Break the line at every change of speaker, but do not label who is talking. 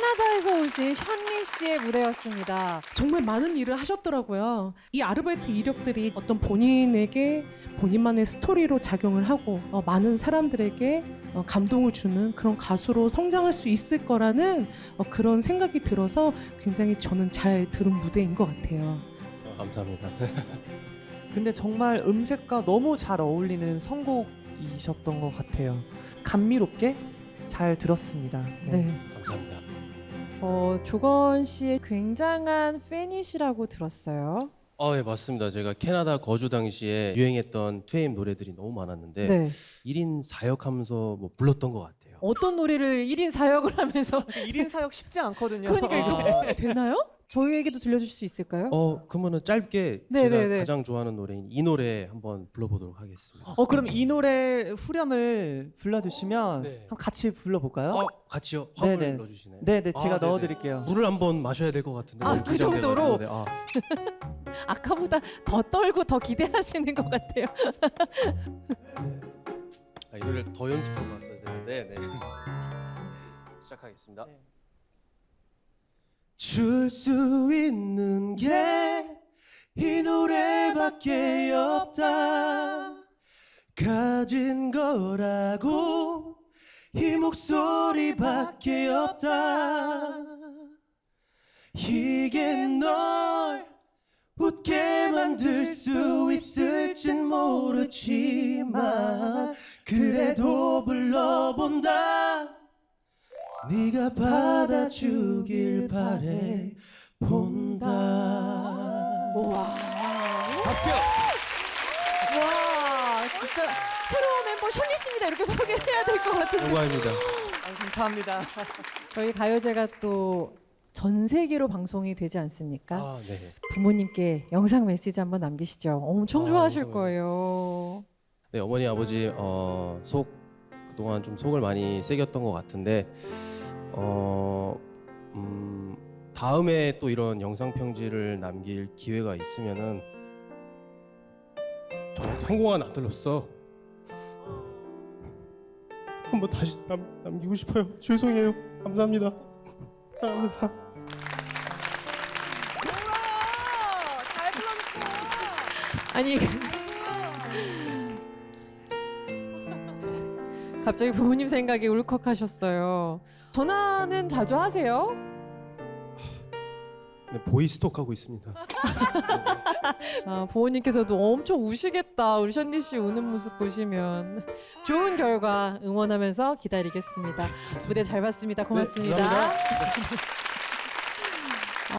캐나다에서 오신 션리 씨의 무대였습니다.
정말 많은 일을 하셨더라고요. 이 아르바이트 이력들이 어떤 본인에게 본인만의 스토리로 작용을 하고 많은 사람들에게 감동을 주는 그런 가수로 성장할 수 있을 거라는 그런 생각이 들어서 굉장히 저는 잘 들은 무대인 것 같아요.
감사합니다.
근데 정말 음색과 너무 잘 어울리는 선곡이셨던 것 같아요. 감미롭게 잘 들었습니다.
네.
감사합니다.
조건 씨의 굉장한 팬이시라고 들었어요.
네, 맞습니다. 제가 캐나다 거주 당시에 유행했던 2AM 노래들이 너무 많았는데
네.
1인 4역 하면서 뭐 불렀던 것 같아요.
어떤 노래를 1인 4역을 하면서
1인 사역 쉽지 않거든요.
그러니까 이거 호응이 되나요? 저희에게도 들려줄 수 있을까요?
그러면은 짧게
네,
제가
네, 네.
가장 좋아하는 노래인 이 노래 한번 불러보도록 하겠습니다.
그럼 이 노래 후렴을 불러주시면
네.
한번 같이 불러볼까요?
같이요? 화음을
네네.
넣어주시나요?
네네, 제가
네네.
넣어드릴게요.
물을 한번 마셔야 될 것 같은데.
아,
너무
그
긴장돼가지고.
정도로?
네,
아까보다 더 떨고 더 기대하시는 것 같아요.
이 노래를 더 연습하고 왔어야 되는데. 네. 시작하겠습니다.
네.
줄 수 있는 게 이 노래밖에 없다. 가진 거라고 이 목소리밖에 없다. 이게 널 웃게 만들 수 있을진 모르지만 그래도 불러본다. 네가 받아주길 바래 본다.
와,
합격!
와, 진짜 새로운 멤버 션리 씨입니다. 이렇게 소개를 해야 될 것 같은데.
영광입니다.
감사합니다.
저희 가요제가 또 전 세계로 방송이 되지 않습니까?
네.
부모님께 영상 메시지 한번 남기시죠. 엄청 좋아하실
영상을.
거예요.
네, 어머니 아버지 그동안 좀 속을 많이 새겼던 것 같은데 다음에 또 이런 영상 편지를 남길 기회가 있으면은 정말 성공한 아들로서 한번 다시 남기고 싶어요. 죄송해요. 감사합니다. 감사합니다.
잘 불러줬어. 아니 갑자기 부모님 생각에 울컥하셨어요. 전화는 자주 하세요?
네, 보이스톡 하고 있습니다.
부모님께서도 엄청 우시겠다. 우리 션리 씨 우는 모습 보시면 좋은 결과 응원하면서 기다리겠습니다. 무대 잘 봤습니다. 고맙습니다.
네, 감사합니다.